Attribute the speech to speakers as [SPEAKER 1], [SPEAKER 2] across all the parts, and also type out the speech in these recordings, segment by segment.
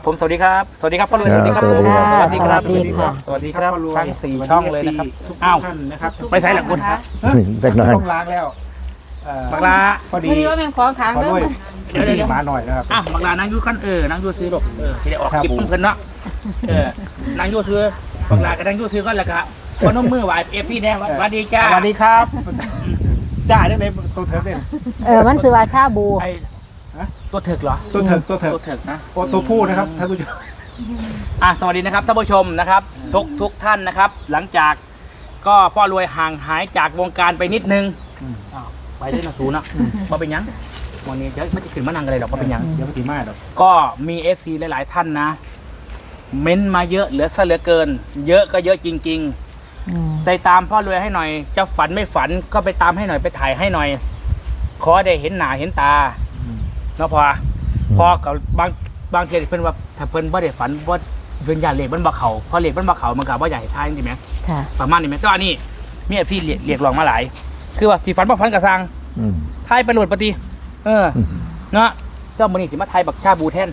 [SPEAKER 1] ผมสวัสดีครับสวัสดีครับพ่อรวยสวัสดีครับ
[SPEAKER 2] สวัสดีครับ
[SPEAKER 1] สวัสดีครับ
[SPEAKER 2] สวัสดีค่ะ
[SPEAKER 1] สวัสดีครับทั้ง4ช่องเลยนะครับ
[SPEAKER 3] ทุก
[SPEAKER 1] อ้าว
[SPEAKER 3] ท่านนะครับ
[SPEAKER 1] ไปใส่หลักคุณฮะ
[SPEAKER 2] เล็กน้อย
[SPEAKER 3] ต้องล้างแล้ว
[SPEAKER 1] บักลา
[SPEAKER 3] พอดี
[SPEAKER 4] พอดีว่าแมงของทาง
[SPEAKER 3] ขอ
[SPEAKER 4] เด้
[SPEAKER 3] ด้วย
[SPEAKER 1] เดี๋ยว
[SPEAKER 3] มาหน่อยนะครับ
[SPEAKER 1] อ้าวบักลานั่งอยู่ขั้นนั่งอยู่ซื้อดอกที่ได้ออกคลิปเพิ่นเนาะนั่งอยู่ซื้อบักลาก็นั่งอยู่ซื้อก็แล้วก็พนมมือไหวเอฟซีแดงสวัสดีจ้า
[SPEAKER 3] สวัสดีครับจ้าได้ไหมตัวเถิกเนี่ย
[SPEAKER 4] มันชื่อว่าชาบู
[SPEAKER 1] ไอ้ตัวถึกเหรอ
[SPEAKER 3] ตัวเถิก
[SPEAKER 1] ตัวถึกนะ
[SPEAKER 3] โอ้ตัวผู้นะครับท่านผู้ชม
[SPEAKER 1] สวัสดีนะครับท่านผู้ชมนะครับทุกท่านนะครับ หลังจากก็พ่อรวยห่างหายจากวงการไปนิดนึงไปได้นะทูนะมาเป็นยังวันนี้จะไม่จะขึ้นมานั่งอะไรหรอกมาเป็นยัง
[SPEAKER 3] เดี๋ยวมันสีมาดอก
[SPEAKER 1] ก็มี FC หลายๆท่านนะ เม้นมาเยอะเหลือซะเหลือเกิน เยอะก็เยอะจริงๆไปตามพ่อรวยให้หน่อยจะฝันไม่ฝันก็ไปตามให้หน่อยไปถ่ายให้หน่อย ขอได้เห็นหน้าเห็นตาเนาะพอกับบางทีเพิ่นว่าถ้าเพิ่นบ่ได้ฝันว่าเพิ่นอยากเลขมันบ่เข้าพอเลขมันบ่เข้ามันก็บ่อยากให้ทายจริงไหม
[SPEAKER 4] ค่ะ
[SPEAKER 1] ประมาณนี้ไหมก็อันนี้มีเอฟซีเรียกร้องมาหลาย คือว่าที่ฝันบ่ฝันก็สร้าง
[SPEAKER 2] อืม
[SPEAKER 1] ทายไปโหลดปฏิเนาะเจ้ามื้อนี้สิมาทายบักชาบูแทน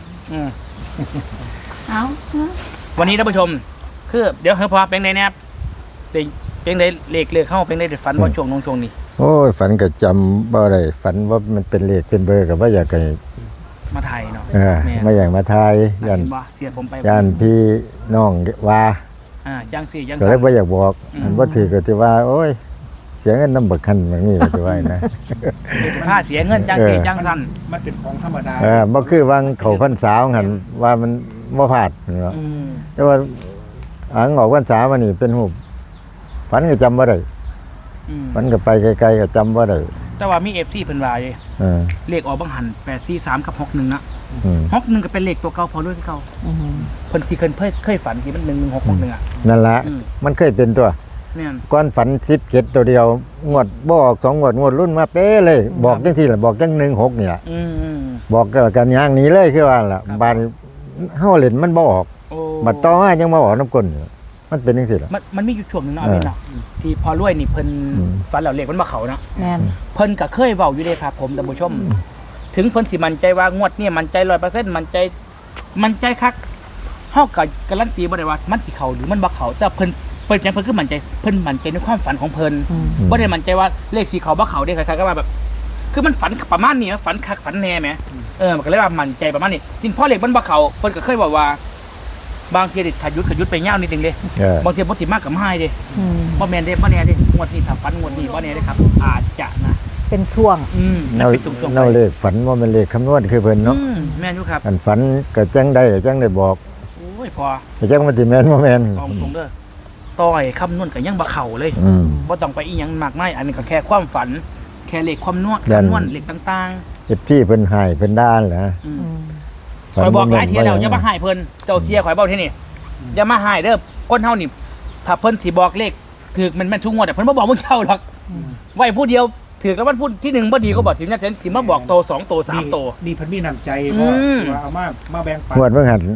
[SPEAKER 4] เอา
[SPEAKER 1] วันนี้ท่านผู้ชม คือเดี๋ยวพอเป็นไดแนบเป็นไดเลขเข้าเป็นไดฝันว่าช่วงนี้
[SPEAKER 2] โอ้ยฝันก็จำบ่ได้ฝันว่ามันเป็นเลขเป็นเบอร์กับว่าอยากให้
[SPEAKER 1] มาไทยเนาะ
[SPEAKER 2] ไม่อยากมาทายยัน
[SPEAKER 1] ว่าเสียผมไป
[SPEAKER 2] ยันพี่น้องว่า
[SPEAKER 1] จังสี่จัง
[SPEAKER 2] ก็เลยบ่อยากบอกอันบ่ถือก็สิว่า โอ้ย เสียเงินนำบักคันแบบนี้ก็สิว่านะ
[SPEAKER 1] ค่าเสียเงินจังสี่จังสั้น
[SPEAKER 3] มันเป็นของธรรมดา
[SPEAKER 2] บ่คือวางเขาพรรษาของหันว่ามันบ่พลาดเนาะแต่ว่าอังออกพรรษามานี่เป็นรูปฝันก็จำบ่ได้ฝันก็ไปไกลๆก็จำบ่ได้
[SPEAKER 1] แต่ว่ามี FC เพิ่นว่าอยู่ เลขออกบังหัน843กับ61นะ61ก็เป็นเลขตัวเก่าพอด้วยที่เก่าเพิ่นที่เคยฝันที่มัน1161อ่ะ
[SPEAKER 2] นั่นล่ะมันเคยเป็นตัว
[SPEAKER 1] เนี่ย
[SPEAKER 2] ก้อนฝัน17ตัวเดียวงวดบ่ออก2งวดรุ่นมาเป๊ะเลยบอกจังซี่ล่ะบอกจัง16นี่ล่ะบอกกันอย่างนี้เลยคือว่าล่ะบาดเฮาเล่นมันบ่ออกบัดต่อมายังมาออกน้ำก้นมันเป็นจังซี่ล่ะ
[SPEAKER 1] มันมีอยู่ช่วงนึงเนาะเนาะที่พอรวยนี่เพิ่นฝันแล้วเลขมันบ่เข้าเนาะ
[SPEAKER 4] แม่น
[SPEAKER 1] เพิ่นก็เคยเว้าอยู่เด้ครับผมท่านผู้ชม ถึงเพิ่นสิมั่นใจว่างวดนี้มั่นใจ 100% มั่นใจคักเฮาก็การันตีบ่ได้ว่ามันสิเข้าหรือมันบ่เข้าแต่เพิ่นจังเพิ่นคือมั่นใจเพิ่นมั่นใจในความฝันของเพิ่นบ่ได้มั่นใจว่าเลขสิเข้าบ่เข้าเด้คล้ายๆก็ว่าแบบ คือมันฝันประมาณนี้ฝันคักฝันแน่แหมมันก็เลยว่ามั่นใจประมาณนี้จริงพอเลขมันบ่เข้าเพิ่นก็เคยบอกว่าบางทีถ้าหยุดไปยาวนิดนึงเด้บางทีบ่สิมากกับหายเด้บ่แม่นเด้บ่แน่เด้งวดนี้ถ้าฝันงวดนี้บ่แน่เด้ครับอาจจะนะ
[SPEAKER 4] เป็นช่วง
[SPEAKER 2] เนาเลขฝันว่ามันเลขคำนวณคือเพิ่นเนาะ
[SPEAKER 1] แม่นอยู่ครับ
[SPEAKER 2] อันฝันก็จังได้บอก
[SPEAKER 1] โอ้ยพอ
[SPEAKER 2] แต่จังมันสิแม่นบ่แม่น
[SPEAKER 1] เอาตรงเด้อต่อยคำนวณก็ยังบ่เข้าเลยบ่ต้องไปอีหยังมากมายอันนี้ก็แค่ความฝัน แค่เลขความนวณเลขต่าง
[SPEAKER 2] FC เพิ่นให้เพิ่นด้านแหละ
[SPEAKER 1] ๆข่อยบอกหลายเที่ยแล้วอย่ามาให้เพิ่นเจ้าเสียข่อยเว้าที่นี่อย่ามาให้เด้อคนเฮานี่ถ้าเพิ่นสิบอกเลขถูกมันทุกงวดแต่เพิ่นบ่บอกมึงเจ้าหรอกไว้ผู้เดียวถือแล้วมันพูดที่1บ่ดีก็บอกถึงนั้นสิมาบอกโต2โต3โต
[SPEAKER 3] นี่พันมีน้ำใจว่าเอามาแบ่งปัน
[SPEAKER 2] งวดเบิ่งหัน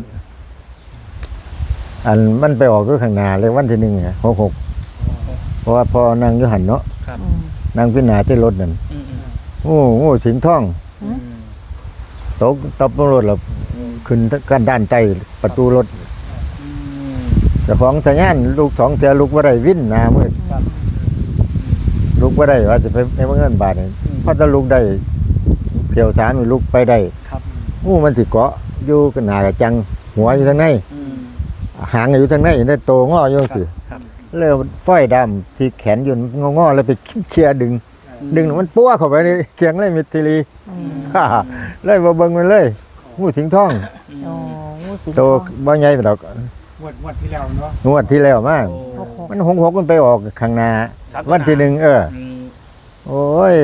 [SPEAKER 2] อันมันไปออกอยู่ข้างหน้าเลยวันที่1ไง66เพราะว่าพอนั่งอยู่หันเนาะนั่งพิจารณาที่รถนั่นโอ้โหสิงห์ทองตกตบรถแล้วขึ้นกันด้านใต้ประตูรถเจ้าของสัญญาณลูก2เทื่อลูกบ่ได้วิ่นหน้ามืดลูกบ่ได้ว่าจะไปในเงินบาทนี่พอจะลูกได้เที่ยว3นี่ลูกไปได้มันสิเกาะอยู่กันหน้ากระจังหัวอยู่ทางในหางอยู่ทางในได้โตงออยู่สิเลยฝ้อยดำที่แขนอยู่งอๆแล้วไปเคลียร์ดึงมันปั้วเข้าไปในเคียงเลยมิตรลีเลยบ่เบิ่งมันเลยงูสิงทองโตบ่ใหญ่ดอก
[SPEAKER 3] งวดที่แล้วเนาะ
[SPEAKER 2] งวดที่แล้วมามัน66มันไปออกข้างหน้าวันที่1โอ้ย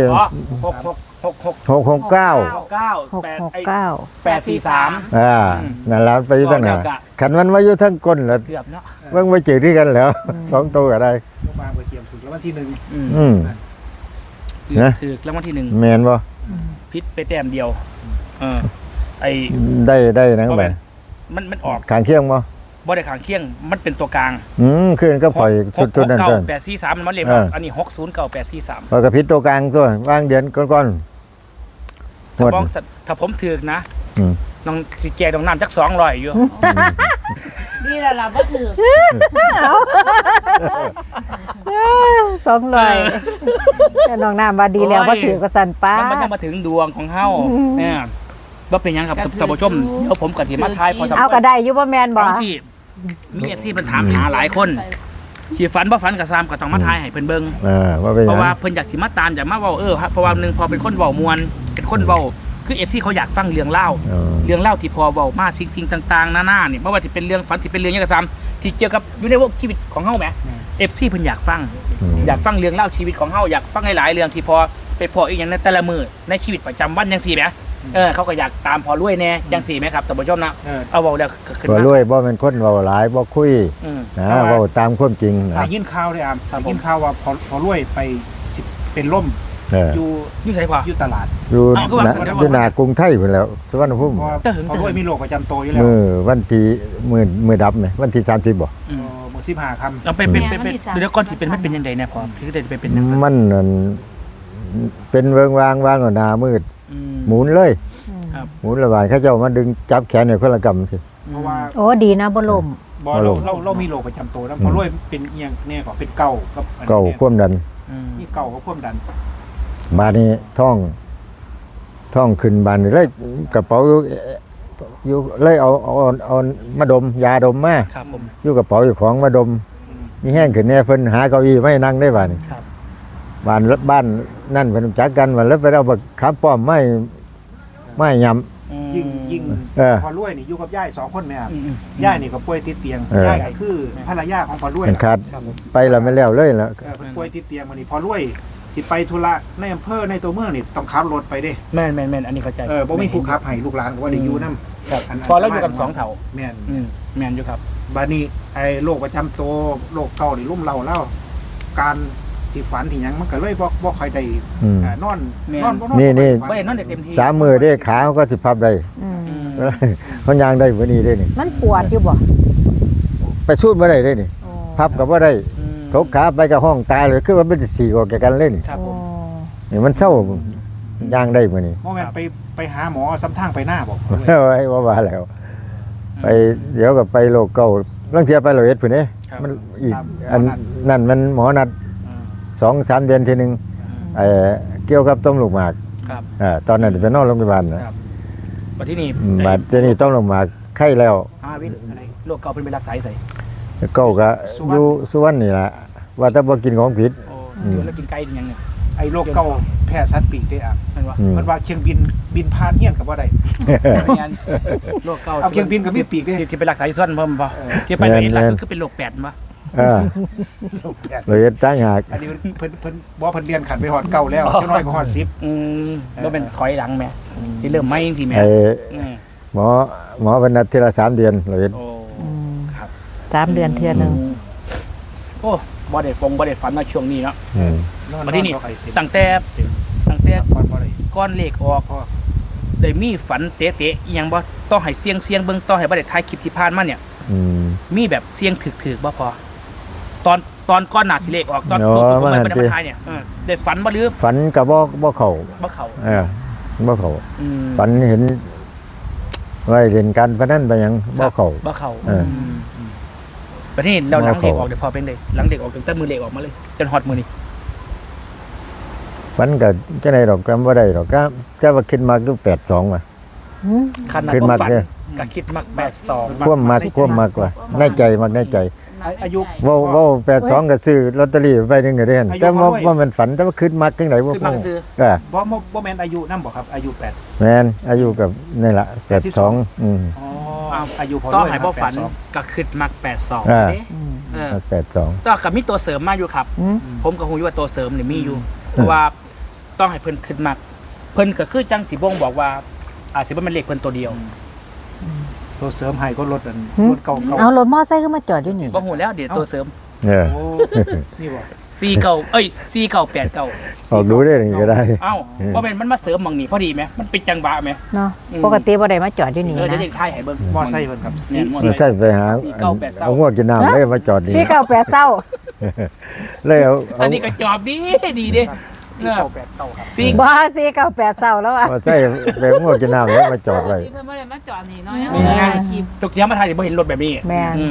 [SPEAKER 2] 669
[SPEAKER 1] 843
[SPEAKER 2] นั่นล่ะไปอยู่ทางหน้าคันมันว่าอยู่ทางก้นแล้ว
[SPEAKER 1] เกือบเนาะ
[SPEAKER 2] เบิ่งไปเจอที่กันแล้ว2ตัวก็ได้
[SPEAKER 3] มาไปเตรียมถึงแล้ววันที่1
[SPEAKER 1] ถือแล้ววันที่1
[SPEAKER 2] แม่นบ่
[SPEAKER 1] พิษไปแต้มเดียวไอ
[SPEAKER 2] ได้นังไป
[SPEAKER 1] มันออก
[SPEAKER 2] ข้างเคียงบ่
[SPEAKER 1] บ่ได้ขางเคียงมันเป็นตัวกลาง
[SPEAKER 2] คืนก็ปล่อยสุดๆนั่นต้น
[SPEAKER 1] 843มันเลขอันนี้609 843
[SPEAKER 2] พอกระพริบตัวกลางตัววางเดือนก่อน
[SPEAKER 1] ถ้าผมถือนะน้องสิแจกน้องน้ำจัก200อยู่
[SPEAKER 5] นี่แหละเราก็ถือ
[SPEAKER 4] 200แต่น้องน้ำว่าดีแล้วบ่ถือก็สั่นป้า
[SPEAKER 1] มันยังมาถึงดวงของเฮาเนี่ยว่าเป็นหยังครับท่านผู้ชมเดี๋ยวผมกับทีมาทายพอ
[SPEAKER 4] เอาก็ได้อยู่บ่แม่นบ่
[SPEAKER 1] บางที่มีFCเพิ่นถามหาหลายคนสิฝันบ่ฝันก็ซ้ำก็ต้องมาทายให้เพิ่นเบิ่ง
[SPEAKER 2] ว่าเป็นห
[SPEAKER 1] เพ
[SPEAKER 2] ยัง
[SPEAKER 1] ราะว่าเพิ่นอยากสิมาตามอยากมาเว้าเพราะว่าหนึงพอเป็นคนเว้ามวลเป็นคนเว้าคือ FC เขาอยากฟังเรื่องเล่า เรื่องเล่าที่พอเว้ามาสิ่งต่างๆนานาเนี่ยไม่ว่าจะเป็นเรื่องฝันสิเป็นเรื่องหยังก็ตามที่เกี่ยวกับอยู่ในวงชีวิตของเฮาแหม FC เพิ่นอยากฟัง อยากฟังเรื่องเล่าชีวิตของเฮาอยากฟังหลายๆเรื่องที่พอไปพออีกอย่างในแต่ละมื้อในชีวิตประจำวันจังซี่แหมเขาก็อยากตามพอรวยแน่จังซี่แหมครับท่านผู้ชมนะเอาเว้าแล้วขึ้น
[SPEAKER 2] บ่
[SPEAKER 1] มาร
[SPEAKER 2] วยบ่เป็นคนเว้าหลายบ่คุย
[SPEAKER 1] อืม
[SPEAKER 2] นะเว้าตามความจริงนะ
[SPEAKER 3] ได้ยินข่าวเลยได้ยินข่าวว่าพอรวยไปสิเป็นล่ม
[SPEAKER 2] เออ
[SPEAKER 3] อยู่
[SPEAKER 1] อยู่ไสพอ
[SPEAKER 3] อยู่ตลาด
[SPEAKER 2] อยู่
[SPEAKER 1] อ้าวคือว่า
[SPEAKER 2] นะอยู่หน้ากรุงไทยพุ่นแล้วสุวรรณภูมิ
[SPEAKER 3] เพราะว่าพอรวยมีโรคประจำตัวอยู่แล้ว
[SPEAKER 2] มื้อวันที่มื้อดับนี่วันที่30บ่
[SPEAKER 1] อืม
[SPEAKER 3] มื้อ15ค่ำ
[SPEAKER 1] เอาเป็นเดี๋ยวก่อนสิเป็นมันเป็นยังไงเนี่ยพอที่ได้ไปเป็นจังซั่น
[SPEAKER 2] มันนั่นเป็นเวิงวางเอาหน้ามืด
[SPEAKER 1] อืม
[SPEAKER 2] หมุนเลย
[SPEAKER 1] ครับ
[SPEAKER 2] หมุนระบาดเขาเจ้ามาดึงจับแขนเนี่ยคนละกำสิ
[SPEAKER 3] เพราะว่า
[SPEAKER 4] โอ้ดีนะบ่ล่ม
[SPEAKER 3] บ่เรามีโรคประจำตัวแล้วพอรวยเป็นเอียงเนี่ยก็เป็นเก่ากับอันนี้
[SPEAKER 2] เก่าความดัน
[SPEAKER 1] อืม
[SPEAKER 3] นี่เก่ากับความดัน
[SPEAKER 2] บาดนี้ท่องขึ้นบานนี่เลยกระเป๋าอยู่เลยเอามาดมยาดมมา
[SPEAKER 1] ครับผม
[SPEAKER 2] อยู่กระเป๋าอยู่ของมาดมมีแห้งขึ้นเนี่ยเพิ่นหาเก้าอี้ไม่นั่งได้บาดนี้
[SPEAKER 1] ครับ
[SPEAKER 2] บ้านนั่นเพิ่นรู้จักกันว่าแล้วไปเอาบักขามป้อมไม่ยำ
[SPEAKER 1] อืม
[SPEAKER 3] ยิ่ง
[SPEAKER 2] เออ
[SPEAKER 3] พอรวยนี่อยู่กับย่าย2คนแม่ครับ
[SPEAKER 1] อืม
[SPEAKER 3] ย่ายนี่ก็ป่วยติดเตียง
[SPEAKER 2] เออ
[SPEAKER 3] ย่ายก็คือภรรยาของพอรวย
[SPEAKER 2] มันขาดไปแล้วไม่แล้วเลยแล้ว
[SPEAKER 3] เพิ่นป่วยติดเตียงวันนี้พอรวยสิไปธุระในอำเภอในตัวเมืองนี่ต้องขับรถไปเด้
[SPEAKER 1] แม่นอันนี้เข้าใจ
[SPEAKER 3] บ่มีผู้ขับให้ลูกหลานก็ว่าได้อยู่นำ
[SPEAKER 1] ครับพอแล้วอยู่กัน2เถ่า
[SPEAKER 3] แม่น
[SPEAKER 1] แม่นอยู่ครับ
[SPEAKER 3] บัดนี้ไอ้โรคประจำตัวโรคเก่านี่ลุ่มเราแล้วการสิฝันที่หยังมันก็เลยบ่ค่อยได้
[SPEAKER 2] อืม
[SPEAKER 3] นอน
[SPEAKER 1] แม่น
[SPEAKER 3] นอนบ่นอน
[SPEAKER 2] นี่
[SPEAKER 1] บ่ได้นอนได้เต็มที่
[SPEAKER 2] 3 มื้อเด้ขาเขาก็สิพับได้
[SPEAKER 4] อืม
[SPEAKER 1] อืม
[SPEAKER 2] เขาย่างได้บ่นี้เด้นี่
[SPEAKER 4] มันปวดอยู่บ่
[SPEAKER 2] ไปสูดบ่ได้เด้นี่
[SPEAKER 4] โอ้
[SPEAKER 2] พับก็บ่ได้
[SPEAKER 1] อืม
[SPEAKER 2] ทกขาไปกับห้องตายเลยคือว่ามันสิสีออกแกกันเลยนี่
[SPEAKER 1] ครับผ
[SPEAKER 4] โอ้
[SPEAKER 1] ม
[SPEAKER 2] นี่มันเศร้าย่างได้มื้อนี้
[SPEAKER 3] บ่แม่นไปหาหมอซ้ำทางไปหน้าบอก
[SPEAKER 2] ไว้ว่าแล้ว ไปเดี๋ยวก็ไปโลกเก่าลางเที่ยไป101พุ่นเด้
[SPEAKER 1] ครับ
[SPEAKER 2] มันอีกอันนั่นมันหมอนัด 2-3 เดือนทีนึงเกี่ยวกับต้มลูกหมาก
[SPEAKER 1] ครับ
[SPEAKER 2] ตอนนั้นไปนอนโรงพยาบาลนะครับ
[SPEAKER 1] บัดที่นี่
[SPEAKER 2] บัดเจนี่ต้มลูกหมากไข้แล้ว
[SPEAKER 1] วินโรคเก่าเป็นไปรักษาใส่
[SPEAKER 2] เก้าก็อยู่สุวรรณนี่ล่ะว่าถ้าบ่กินของผิด
[SPEAKER 1] โอ้เดี๋ยวแล้วกินไก่ยังเนี่ย
[SPEAKER 3] ไอ้โรคเก่าแพ้สัตว์ปีกได้อ่ะ
[SPEAKER 1] มันว่า
[SPEAKER 2] อืม
[SPEAKER 3] มันว่าเชียงบินผ่านเฮียนก็บ่ได้
[SPEAKER 1] ไม่งั้นโรคเก่า
[SPEAKER 3] เอาเครื่องบินกับมีปีกเด้
[SPEAKER 1] ที่ไปรักษาอยู่ส่วนเพิ่มป่ะที่ไปเลยล่าสุดคือเป็นโรค8ป่ะ
[SPEAKER 3] โรคแพ้
[SPEAKER 2] เลยตั้งหาก
[SPEAKER 3] อันนี้เพิ่นบ่เพิ่นเรียนขันไปฮอดเก่าแล้วจังน้อยก็ฮอด10
[SPEAKER 1] แล้วเป็นถอยหลังแม่ที่เริ่มไหม้จริงๆแม่
[SPEAKER 2] ไอ้
[SPEAKER 1] อืม
[SPEAKER 2] หมอวันนัดทีละ3 เดือนเลย
[SPEAKER 1] โอ้ครับ
[SPEAKER 4] 3 เดือนเทื่อนึง
[SPEAKER 1] โอ้บ่ได้ฝันมาช่วงนี้เนาะ
[SPEAKER 2] อืม
[SPEAKER 1] มาที่นี่ ตั้งแต่
[SPEAKER 3] ก่อนบ่ได้
[SPEAKER 1] ก้อนเลขออกได้มีฝันเตะๆอีหยังบ่ต้องให้เสียงเบิ่งต้องให้บ่ได้ถ่ายคลิปที่ผ่านมาเนี่ย
[SPEAKER 2] อืม
[SPEAKER 1] มีแบบเสียงถึกๆบ่พอตอนก้อนหน้าสิเลขออกตอน
[SPEAKER 2] อ๋อ
[SPEAKER 1] ตัวผม
[SPEAKER 2] มัน
[SPEAKER 1] ไม่
[SPEAKER 2] หัน
[SPEAKER 1] ได้
[SPEAKER 2] ติ
[SPEAKER 1] มาถ่ายเนี่ยได้ฝันบ่หรือ
[SPEAKER 2] ฝันก็บ่เข้า
[SPEAKER 1] บ่เข้า
[SPEAKER 2] บ่เข้า
[SPEAKER 1] อืม
[SPEAKER 2] ฝันเห็นว่าเล่นการพนันไปหยังบ่เข้า
[SPEAKER 1] บ่เข้า
[SPEAKER 2] เออ
[SPEAKER 1] ประเทศเราหลัง
[SPEAKER 2] บ่
[SPEAKER 1] เด็ก
[SPEAKER 2] เข้า
[SPEAKER 1] ออกเดี๋ยวพอเป็นเลยหลังเด็กออกจนแต่มือเด็กออกมาเลยจนฮอตมือนี่
[SPEAKER 2] ฝันก็จังได๋ดอกก็บ่ได้ดอกก็ว่าคิดมากคือ82ว่ะ
[SPEAKER 4] หืม
[SPEAKER 1] ขนาด
[SPEAKER 2] ขึ้น
[SPEAKER 1] บ่
[SPEAKER 2] มา
[SPEAKER 1] ฝัน
[SPEAKER 2] เด้อ
[SPEAKER 1] ก็คิดมัก82
[SPEAKER 2] ความมากว่าในใจมักในใจ
[SPEAKER 3] อายุ
[SPEAKER 2] เว้า82ก็ซื้อลอตเตอรี่ไปนึงก็ได้หั่น
[SPEAKER 3] อายุ
[SPEAKER 2] แต่
[SPEAKER 3] บ่ด้วย
[SPEAKER 2] ว่ามันฝันแต่ว่าคิดมักจังได๋บ่
[SPEAKER 1] ขึ้นมาซื้อ
[SPEAKER 3] บ่แม่นอายุนำบ่ครับ อายุ8
[SPEAKER 2] แม่นอายุกับนี่ล่ะ82
[SPEAKER 3] อ๋ออายุพอ
[SPEAKER 1] ต้อ
[SPEAKER 3] ด้วย
[SPEAKER 1] หายบ่ฝัน
[SPEAKER 3] 82
[SPEAKER 1] ก็คิดมัก82
[SPEAKER 2] อ่า
[SPEAKER 1] เด้
[SPEAKER 4] อืม
[SPEAKER 2] 82
[SPEAKER 1] ต้องกับมีตัวเสริมมาอยู่ครับ
[SPEAKER 4] หืม
[SPEAKER 1] ผมก็คงอยู่ว่าตัวเสริมนี่มีอยู่เพราะว่าต้องให้เพิ่นคิดมักเพิ่นก็คือจังสิบ่งบอกว่าอาจสิบ่แม่นเลขเพิ่นตัวเดียว
[SPEAKER 3] ตัวเสริมให้ก็ลดอัน
[SPEAKER 4] หืม
[SPEAKER 3] ลดเก่า
[SPEAKER 4] เอารถมอไซค์ขึ้นมาจอดอยู่นี่
[SPEAKER 1] บ่ฮู้แล้วเดี๋ยวตัวเสริม
[SPEAKER 2] เออ
[SPEAKER 3] โอ้นี่บ่
[SPEAKER 1] 4989
[SPEAKER 2] ออกดูได้นี่ก็ได้
[SPEAKER 1] เอ้าบ่แม่นมันมาเสริมหม่องนี้พอดีไหมมันเป็นจังหวะไหม
[SPEAKER 4] เนาะ
[SPEAKER 1] อืม
[SPEAKER 4] ปกติบ่ได้มาจอดอยู่นี่
[SPEAKER 1] เดี๋ยว
[SPEAKER 4] นะ
[SPEAKER 1] เด็กทายให้เบิ่ง
[SPEAKER 3] มอไซค์เพิ่นครับ
[SPEAKER 1] เนี่ยมอ
[SPEAKER 2] มัน
[SPEAKER 1] ไซค์
[SPEAKER 2] ใช่ไปหาเอาหัวกินน้ำเลยมาจอดนี่
[SPEAKER 4] 498เศร้า
[SPEAKER 2] เลยเอา
[SPEAKER 1] อันนี้ก็จอบดีเด้
[SPEAKER 3] 498ครับ
[SPEAKER 1] สี่
[SPEAKER 4] บ่498เศร้าแล้วอ่ะ
[SPEAKER 2] พอใส่แบบงวดกินน้ำแล้วมาจอดไว้
[SPEAKER 5] ที่เพิ่นบ่ได้มาจอดนี่เนาะ
[SPEAKER 1] แม่นตกเสียมาไทยเดี๋ยวบ่เห็นรถแบบนี้
[SPEAKER 4] แม่น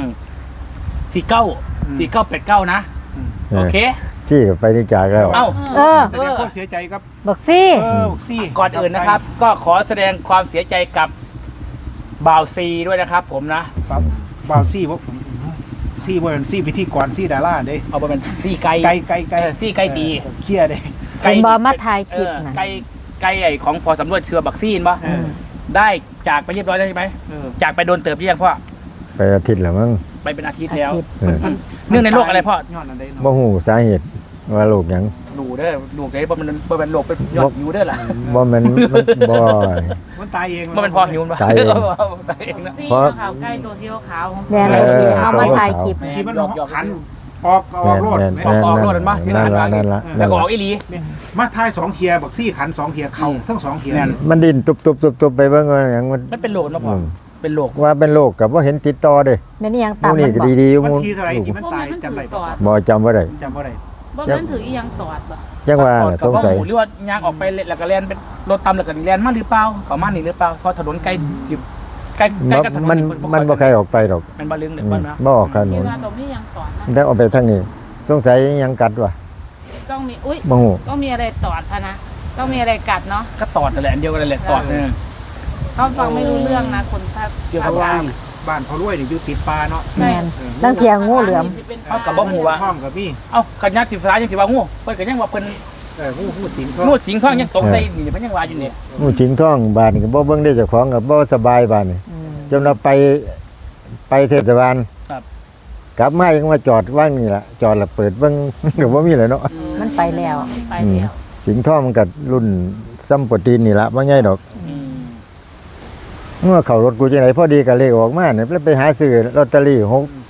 [SPEAKER 1] 49 นะ โอเค
[SPEAKER 2] ซี่ก็ไปนี่จากแล้ว
[SPEAKER 1] เอ้า
[SPEAKER 4] เออ
[SPEAKER 3] แสดงความเสียใจครับ
[SPEAKER 4] บักซี่
[SPEAKER 3] ซี่
[SPEAKER 1] ก่อนอื่นนะครับ ก็ขอแสดงความเสียใจกับบ่าวซีด้วยนะครับผมนะ
[SPEAKER 3] บ่าวซี่บ่ซี่บ่เป็นซี่พิธีกรซี่ดาราเด้
[SPEAKER 1] เอาไปเป็นซี่ไก่
[SPEAKER 3] ไก่
[SPEAKER 1] ซี่ไก่ตี
[SPEAKER 3] เคลียร์เด้
[SPEAKER 4] เห็นบ่มาถ่ายคลิปน่ะ
[SPEAKER 1] ไก่ไอ้ของพอสำรวจเชือบักซี่นปะ
[SPEAKER 3] เออ
[SPEAKER 1] ได้จากไปเรียบร้อยแล้วใช่ไหม
[SPEAKER 3] เออ
[SPEAKER 1] จากไปโดนเติบหรือยังพ่อ
[SPEAKER 2] ไปอาทิตย์แล้วมั้ง
[SPEAKER 1] ไปเป็นอาทิตย์แล้ว
[SPEAKER 2] เออ
[SPEAKER 1] เนื่องในโรคอะไรพ่อ
[SPEAKER 3] ย้อนอันใด
[SPEAKER 2] บ่
[SPEAKER 3] เนาะ
[SPEAKER 2] ฮู้สาเหตุว่าโรคหยัง
[SPEAKER 1] ดูเด้อดูเด้อบ่เป็นโรคเป็นยอดหิวเด้อล่ะ
[SPEAKER 2] บ่แม่นมันบ่
[SPEAKER 3] มันตายเอง
[SPEAKER 1] บ่เป็นพอหิวปะ
[SPEAKER 2] ตายเอง
[SPEAKER 1] ตายเองนะ
[SPEAKER 5] ซี่
[SPEAKER 2] เพราะ
[SPEAKER 5] ขาวใกล้ตัวสีขาว
[SPEAKER 4] แม่นเอามาถ่ายคลิป
[SPEAKER 3] ที่มันหันออกโลด
[SPEAKER 2] แม่น
[SPEAKER 3] ไหม
[SPEAKER 2] แม่นนั่นละ
[SPEAKER 1] แล้วก็ออกอีหลี
[SPEAKER 3] มาทาย2เทียบักซี่ขัน2เทียเข้าทั้ง2เทีย
[SPEAKER 1] แม่น
[SPEAKER 3] นี่
[SPEAKER 2] มันดิ้นตุบๆๆไปเบิ่งว่าหยังมัน
[SPEAKER 1] มันเป็นโรคนะพ่อเป็นโรค
[SPEAKER 2] ว่าเป็นโรคก็บ่เห็นติดต่อเด้
[SPEAKER 4] แม่นอีหยัง
[SPEAKER 2] ห
[SPEAKER 4] ตาม
[SPEAKER 2] มู่นี่
[SPEAKER 4] มัน
[SPEAKER 2] ก็
[SPEAKER 4] บอก
[SPEAKER 2] ดีๆห
[SPEAKER 3] มัน
[SPEAKER 2] มู่
[SPEAKER 3] ทีเท่าไหร่ที่มันตายจำได้บ่
[SPEAKER 2] บ่จำบ่ได้
[SPEAKER 3] จำบ่ได้
[SPEAKER 5] บ่แม่นถืออีหยังตอดบ่
[SPEAKER 2] จังว่าน่ะสงสัย
[SPEAKER 1] หรือว่ายางออกไปแล้วก็แล่นเป็นรถตามแล้วก็แล่นมาหรือเปล่าประมาณนี้หรือเปล่าเพราะถนนใกล้กับถนน
[SPEAKER 2] มันบ่ใครออกไปดอก
[SPEAKER 1] มันบ่ลึงหรือ
[SPEAKER 2] อืม
[SPEAKER 1] บ่นะ
[SPEAKER 2] บ่ออกถน
[SPEAKER 5] คิด
[SPEAKER 2] น
[SPEAKER 5] ว่าตรงนี้ยังตอดนะ
[SPEAKER 2] ได้ออกไปทางนี้สงสัยยังกัดวะ
[SPEAKER 5] ต้องมีอุ้ย
[SPEAKER 2] บ่ฮู้
[SPEAKER 5] ต้องมีอะไรตอดพะนะต้องมีอะไรกัดเนาะ
[SPEAKER 1] ก็ตอดนั่นแหละอันเดียวกันแหละตอดเนี่ย
[SPEAKER 5] เขาฟังไม่รู้เรื่องนะคนถ้า
[SPEAKER 1] เกี่ยวกับว่า
[SPEAKER 3] บ้านเขารวยนี่อยู่ติดป่าเนาะ
[SPEAKER 4] แม่นลังเทียงูเหลือม
[SPEAKER 1] เอากับบ่ฮู้ว่า
[SPEAKER 3] ห้องกับพี่
[SPEAKER 1] เอ้าขันยักษ์สิฟ้ายังสิว่างูเพิ่นก็ยังว่าเพิ่น
[SPEAKER 3] งูสิง
[SPEAKER 1] งูสิงทองยังตกใส่นี่เพิ่นยังว่าอยู่นี่
[SPEAKER 2] งูชิงท่องบ้านก็บ่เบิ่งได้เจ้าของก็บ่สบายบ้านนี่จนเราไปเทศบาล
[SPEAKER 1] ครับ
[SPEAKER 2] กลับมายังมาจอดว่างนี่ล่ะจอดแล้วเปิดเบิ่ง ก็บ่มีเลยเนาะ
[SPEAKER 4] มันไปแล้ว
[SPEAKER 5] ไปแล้ว
[SPEAKER 2] สิงท่องมันก็รุ่นซ้ำโปรตีนนี่ล่ะบ่ใหญ่ดอก
[SPEAKER 1] อืม
[SPEAKER 2] เมื่อเข้ารถกูจังไดพอดีก็เลขออกมาเนี่ยแล้วไปหาซื้อลอตเตอรี่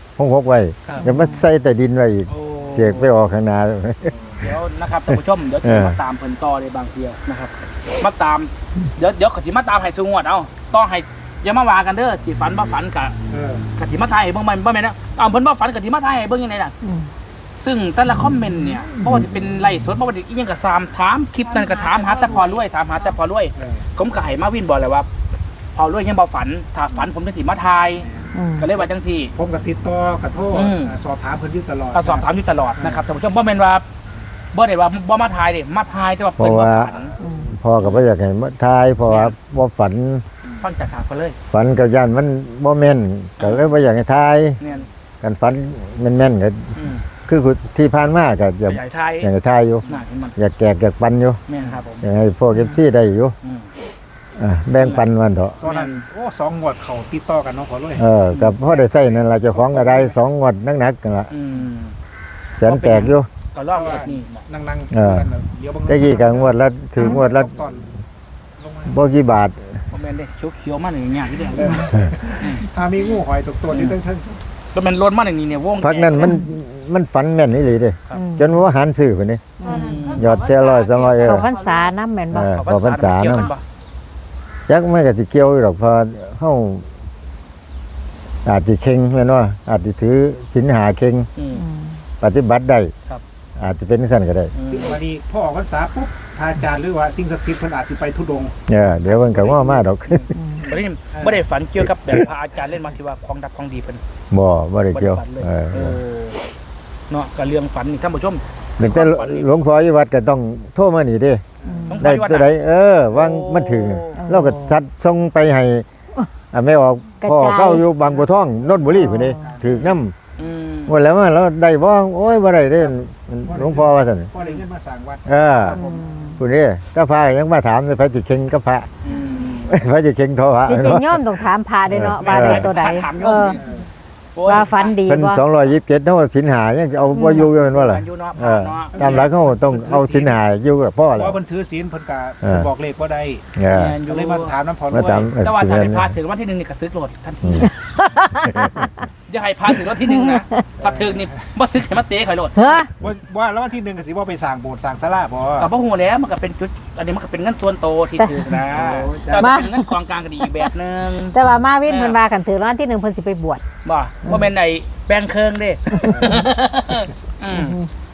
[SPEAKER 2] 6ไว้
[SPEAKER 1] ครับ
[SPEAKER 2] ก็มาใส่ใต้ดินไว้อีก
[SPEAKER 1] โอ้
[SPEAKER 2] เสียกไปออกข้างหน้า
[SPEAKER 1] เดี๋ยวนะครับท่านผู้ชมเดี๋ยวจะมาตามเพิ่นต่อในบางเดียวนะครับมาตามเดี๋ยวขอสิมาตามให้ซุงวดเอาต้องให้อย่ามาว่ากันเด้อสิฝันบ่ฝันกะกะสิมาทายให้เบิ่งมันบ่แม่นนะเอาเพิ่นบ่ฝันกะสิมาทายให้เบิ่งยังไงล่ะ
[SPEAKER 4] อืม
[SPEAKER 1] ซึ่งแต่ละคอมเมนต์เนี่ยบ่ว่าจะเป็นไลฟ์สดบ่ว่าจะอีหยังก็ถามคลิปนั้นก็ถามหาแต่พอรวยถามหาแต่พอรวย ผมก็ให้มาวินบอกเลยว่า พอรวยยังบ่ฝันถ้าฝันผมจะสิมาทาย
[SPEAKER 4] อืม
[SPEAKER 1] ก็เลยว่าจังซี่
[SPEAKER 3] ผมกับติดต่อกับโทษ
[SPEAKER 1] อืม
[SPEAKER 3] สอบถามเพิ่นอยู่ตลอด
[SPEAKER 1] ก็สอบถามอยู่ตลอดนะครับท่านผู้ชมบ่แม่นว่าบ่ได้ว่าบ่มาทายเด้มาทายแต่ว่าเพิ่นบ่ฝัน
[SPEAKER 2] พ่อก็บ่อยากให้มาทายเพราะว่าบ่ฝัน
[SPEAKER 1] ฟังจากปากเพิ่นเลย
[SPEAKER 2] ฝันกับย่านมันบ่แม่นก็เลยบ่อยากให้ทาย
[SPEAKER 1] เนี่ย
[SPEAKER 2] กันฝันแม่นๆก็
[SPEAKER 1] อืม
[SPEAKER 2] คือที่ผ่านมาก็อยาก
[SPEAKER 1] ใหญ่ทาย
[SPEAKER 2] อยากให้ทายอยู่
[SPEAKER 1] น่าเห็นมัน
[SPEAKER 2] อยากแจกอยากปันอยู่
[SPEAKER 1] แม่นครับผม
[SPEAKER 2] อยากให้พวก FC ได้อยู่
[SPEAKER 1] อืม
[SPEAKER 2] แบ่งปันมันเถอะ
[SPEAKER 3] ตอนนั้นโอ้2งวดเขาติดต่อกันเนาะขอรวย
[SPEAKER 2] กับพ่อได้ใส่นั่นล่ะเจ้าของก็ได้2งวดนักๆกันล่ะ
[SPEAKER 1] อืม
[SPEAKER 2] แสนแตกอยู่
[SPEAKER 1] ก็รอบแบบนี้นะ
[SPEAKER 3] นั่ง
[SPEAKER 2] เออ
[SPEAKER 3] เดี๋ยว
[SPEAKER 2] แต่กี้ก็งวดละถึงงวดละ
[SPEAKER 3] ตอนลงมา
[SPEAKER 2] บ่กี่บาท
[SPEAKER 1] บ่แม่นเด้เขียวๆมาอย่างเงี้ยที่เด้
[SPEAKER 3] ถ้ามีงูหอยตกตัวนี่ตั้ง
[SPEAKER 1] ก็แม่นรถมาอย่างนี้เนี่ยวง
[SPEAKER 2] พักนั้นมันฝันแม่นนี่เลยเด้
[SPEAKER 1] ครับ
[SPEAKER 2] จนว่าหันซื้อคนนี้ ยอดแต่100 200
[SPEAKER 4] เขาพรรษาน้ำแม่นบ่
[SPEAKER 2] พอพรรษา
[SPEAKER 1] เกี่ยว
[SPEAKER 2] นำ
[SPEAKER 1] กันปะ
[SPEAKER 2] จักมันก็สิเกี่ยวอยู่ดอกเพอเฮาอาจสิเข่งแม่นว่าอาจสิถือศีลหาเข่ง
[SPEAKER 1] อืม
[SPEAKER 4] อืม
[SPEAKER 2] ปฏิบัติได้
[SPEAKER 1] ครับ
[SPEAKER 2] อาจจะเป็นสั่นก็ได้
[SPEAKER 3] ซึ่งวันนี้พ่อออกพรรษาปุ๊บพระอาจารย์หรือว่าสิ่งศักดิ์สิทธิ์เพิ่นอาจสิไปทุดงค์
[SPEAKER 2] เดี๋ยวมันก็ว่ามาดอก
[SPEAKER 1] บ่ได้ฝันเกี่ยวกับแบบพระอาจารย์เล่นมาที่ว่าของดับของดีเพิ่น
[SPEAKER 2] บ่ได้เกี่ยว
[SPEAKER 1] ฝันเลย
[SPEAKER 2] เออ
[SPEAKER 1] เนาะก็เรื่องฝันนี่ท่านผู้ชม
[SPEAKER 2] ถึงแต่หลวงพ่ออยู่วัดก็ต้องโทรมานี่เด้
[SPEAKER 1] ต้อง
[SPEAKER 2] ได้
[SPEAKER 1] ปฏิวัติ
[SPEAKER 2] ตัวใดวางมันถึงเราก็สัตว์ส่งไปให้ไม่ออกพ่อเข้าอยู่บางบัวทองนนทบุรีพุ่นนี่ถึกนำ
[SPEAKER 1] อืม
[SPEAKER 2] หมดแล้วมาแล้วได้บ่โอ้ยบ่ได้เด้หลวงพ่อว่าซั่น
[SPEAKER 3] พ่อได้เงินมาสร้างวัด
[SPEAKER 2] พุ่นนี่ถ้าพระยังมาถามเลยพระสิเข่งกับพระ
[SPEAKER 1] อืม
[SPEAKER 2] พระสิเข่งโทรหา
[SPEAKER 4] จริงๆย่อมต้องถามพาด้วยเนาะว่าได้ตัวใด
[SPEAKER 1] ถามโย
[SPEAKER 4] เอ
[SPEAKER 1] ม
[SPEAKER 4] อ
[SPEAKER 1] โอ้ย
[SPEAKER 4] ว่าฝันดี
[SPEAKER 2] เพิ่น
[SPEAKER 4] บ่
[SPEAKER 2] 227เท่าสินหายังเอาบ่อยู่แม่นว่าล่ะ
[SPEAKER 1] อยู่เนาะ
[SPEAKER 2] ตามหลักเขาต้องเอาสินหาอยู่กับพ่อ
[SPEAKER 3] เพ
[SPEAKER 2] แหละ
[SPEAKER 3] ราะเพิ่นถือศีลเพิ่นก็
[SPEAKER 2] เออ
[SPEAKER 3] บอกเลขบ่ได้
[SPEAKER 2] เออ
[SPEAKER 3] ก็เลยมาถามน้ำพร
[SPEAKER 2] มาถาม
[SPEAKER 1] แต่ว่า
[SPEAKER 2] สิ
[SPEAKER 1] ถ้า
[SPEAKER 2] แม่
[SPEAKER 1] ให้
[SPEAKER 2] น
[SPEAKER 1] พาถึงวันที่1นี่ก็ซื้อโหลดทันทีอย่าให้พาถึงวันที่1นะพอถึงนี่บ่ซื้อให้มาเตะข่อยโหลด
[SPEAKER 4] เฮ้อ
[SPEAKER 3] ว่าแล้ววันที่1ก็สิบ่ไปสร้างโบสถ์สร้างศาลาบ่
[SPEAKER 1] ก็บ่ฮู้แล้วมันก็เป็นจุดอันนี้มันก็เป็นเงินส่วนโตที่ถือนะแต่เป็นเงินกองกลางก็ดีอีกแบบนึง
[SPEAKER 4] แต่ว่ามาวินเพิ่นว่ากันถือรางวัลที่1เพิ่นสิไปบวช
[SPEAKER 1] บ่ว่าเป็นไอ้แบงค์เคิงเด้อืม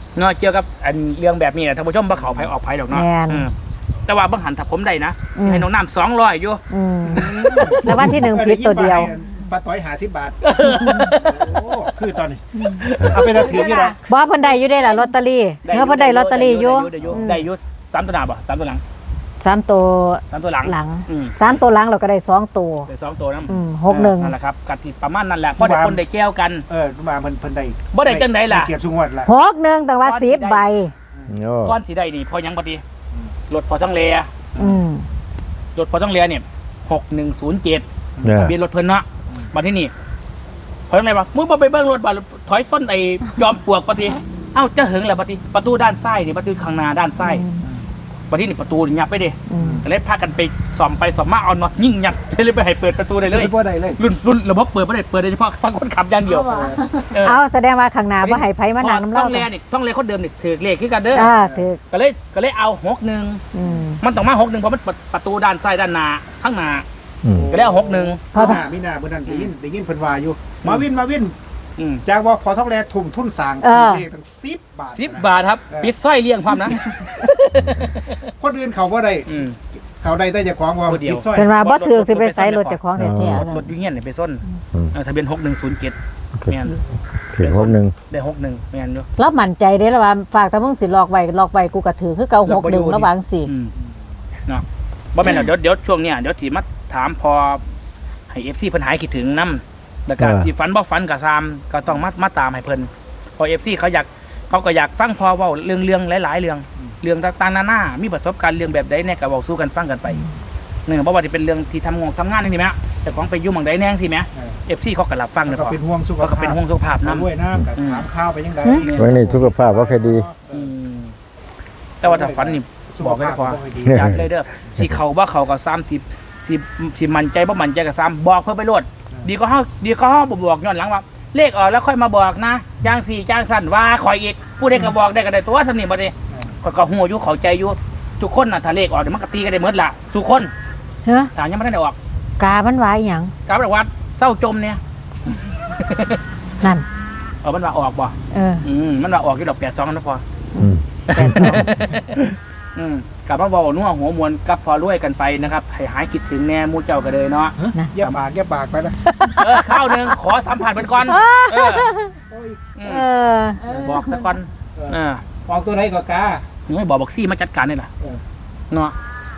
[SPEAKER 1] เนาะเกี่ยวกับอันเรื่องแบบนี้นะท่านผู้ชมบ่เขาไผออกไผดอกเนาะ
[SPEAKER 4] แม่น
[SPEAKER 1] แต่ว่าเบิ่งหันถ้าผมได้นะ
[SPEAKER 4] อืม
[SPEAKER 1] ให้น้องน้ำ200อยู่
[SPEAKER 4] แล้ววันที่หนึ่งผิดตัวเดียว
[SPEAKER 3] ปลาต้อย50 บาทโอ้คือตอนนี้เอาไปถือนี่หรอ
[SPEAKER 4] บ่เพิ่นได้อยู่ได้ล่ะลอตเตอรี่เพิ่นได้ลอตเตอรี่อยู่
[SPEAKER 1] ได้อยู่3ตัวหน้าบ่3ตัวหลัง
[SPEAKER 4] 3ตัว
[SPEAKER 1] 3ตัวหลัง
[SPEAKER 4] หลัง
[SPEAKER 1] อืม
[SPEAKER 4] 3ตัวหลังเราก็ได้2ตัว
[SPEAKER 1] ได้2ตัวนํ
[SPEAKER 4] 61
[SPEAKER 1] นั่นแหละครับกติประมาณนั้นแหละเพราะได้คนได้แก้วกัน
[SPEAKER 3] มาเพิ่นได้
[SPEAKER 1] บ่ได้จังไดล่ะ
[SPEAKER 3] เกียรติสุงวดล่ะ
[SPEAKER 4] 61แต่ว่า10ใบ
[SPEAKER 2] โอ้
[SPEAKER 1] ก้อนสิได้นี่พอยังบ่ดีรถพอต้องเล
[SPEAKER 4] อืม
[SPEAKER 1] รถพอต้องเลเนี่ย6107
[SPEAKER 2] เนี่ย
[SPEAKER 1] ทะเบียนรถเพิ่นเนาะมาที่นี่เพราะอะไรวะมึงบ่ไปเบิ่งรถบ่ถอยส้นไอ้ยอมปลวกปฏิเอ้าจะหึงแหละปฏิประตูด้านซ้ายนี่ประตูข้างหน้าด้านซ้ายปฏินี่ประตูนี่ยับไปดิ
[SPEAKER 4] อืม
[SPEAKER 1] ก็เลยพากันไปส่อมไปส่อมมาเอามายิ่งยัดเลยไปให้เปิดประตูได้เลย
[SPEAKER 3] บ่ได้เลย
[SPEAKER 1] รุ่นระบบเปิดบ่ได้เปิดโดยเฉพาะฟังคนขับอย่างเดียว
[SPEAKER 4] เอาแสดงว่าข้างหน้าบ่ให้ไผมานั่งน้ำ
[SPEAKER 1] ต้
[SPEAKER 4] เล่า
[SPEAKER 1] องแลนี่ต้องแลคนเดิมนี่ถือเลขคือกันเด้อ
[SPEAKER 4] ถูก
[SPEAKER 1] ก็เลยเอา61
[SPEAKER 4] อืม
[SPEAKER 1] มันต้องมา61เพราะมันประตูด้านซ้ายด้านหน้าข้างหน้า
[SPEAKER 2] อืม
[SPEAKER 1] ก็เลยเอา61
[SPEAKER 4] เพราะ
[SPEAKER 3] มีหน้าเมื่อนั้นได้ยินเพิ่นว่าอยู่มาวิน
[SPEAKER 1] อืม
[SPEAKER 3] จากว่าพอท้องแลทุ่มทุนสร้างเลขตั้ง10 บาท
[SPEAKER 1] 10 บาทครับปิดสร้อยเลี้ยงความนะ
[SPEAKER 3] คนอื่นเขาบ่ได้
[SPEAKER 1] อืม
[SPEAKER 3] เขาได้แต่เจ้าของว่า
[SPEAKER 1] ผู้เดียว
[SPEAKER 3] ปิดซอย
[SPEAKER 4] เป็นว่าบ่ถือสิไปใส่รถเจ้าของแท้
[SPEAKER 1] รถอยูเฮียนเนี่ยไปส้นทะเบียน6107แม่น
[SPEAKER 2] ถึง61
[SPEAKER 1] ได้61แม่นอยู่
[SPEAKER 4] ๆแล้วมั่นใจเด้แล้วว่าฝากถ้ามึงสิหลอกไว้กูก็ถือคือเก่า61ระหว่างสิ
[SPEAKER 1] เนาะบ่แม่นเดี๋ยวช่วงเนี้ยเดี๋ยวสิมาถามพอให้ FC เพิ่นหายคิดถึงนำแล้วก็สิฝันบ่ฝันก็ตามก็ต้องมาตามให้เพิ่นพอ FC เขาก็อยากฟังพอเว้าเรื่องหลายๆเรื่องต่างๆนานามีประสบการณ์เรื่องแบบใดแน่ก็เว้าสู่กันฟังกันไปเนี่ยบ่ว่าสิเป็นเรื่องที่ทำงานนี่แหมแต่ของไปอยู่หม่องใดแน่สิแหม FC เขาก็รับฟัง
[SPEAKER 3] แล้
[SPEAKER 1] นะ
[SPEAKER 3] วก็
[SPEAKER 1] พอ
[SPEAKER 3] เป็นห่วงสุข
[SPEAKER 1] เขาก็
[SPEAKER 3] ภาพ
[SPEAKER 1] เป็นห่วงสุขภาพนำ
[SPEAKER 3] ด้วยน้ำกับถามข้าวไปยังไง
[SPEAKER 2] วันนี้สุขภาพบ่ค่อยดี
[SPEAKER 1] แต่ว่าถ้าฝันนี่บอกให้พอ จัดเลยเด้อสิเขาว่าเขาก็30สิมั่นใจบ่มั่นใจก็3บอกเพิ่นไปโลดดีก็เฮาบ่บอกย้อนหลังว่าเลขออกแล้วค่อยมาบอกนะจาง4จางสั้นว่าข่อยอีกผู้ใดก็บอกได้ก็ได้ตัวสำนี่บ่ได้ข่อยก็ฮู้อยู่เข้าใจอยู่ทุกคนน่ะถ้าเลขออกเดี๋ยวมันก็ตีกันได้หมดล่ะทุกคน
[SPEAKER 4] เฮ้อ
[SPEAKER 1] ถ้ายังบ่ทันได้ออก
[SPEAKER 4] กามันว่าอีหยัง
[SPEAKER 1] กลับบอกว่าเศร้าจมเนี่ย
[SPEAKER 4] นั่น
[SPEAKER 1] มันว่าออกบ่ มันว่าออกอยู่ดอก82นะพอ
[SPEAKER 2] อืม
[SPEAKER 1] กลับมาบอกนัวหัวมวลกับพอรวยกันไปนะครับให้หายคิดถึงแน่หมู่เจ้าก็เลยเนาะ
[SPEAKER 3] แย่ปากไปนะ
[SPEAKER 1] ข้าวหนึ่งขอสัมผัสเป็นก่อนบอกซะก่อน
[SPEAKER 3] ออกตัวไหนก็กา
[SPEAKER 1] ไม่บอกซี่มาจัดการนี่แหละเนาะ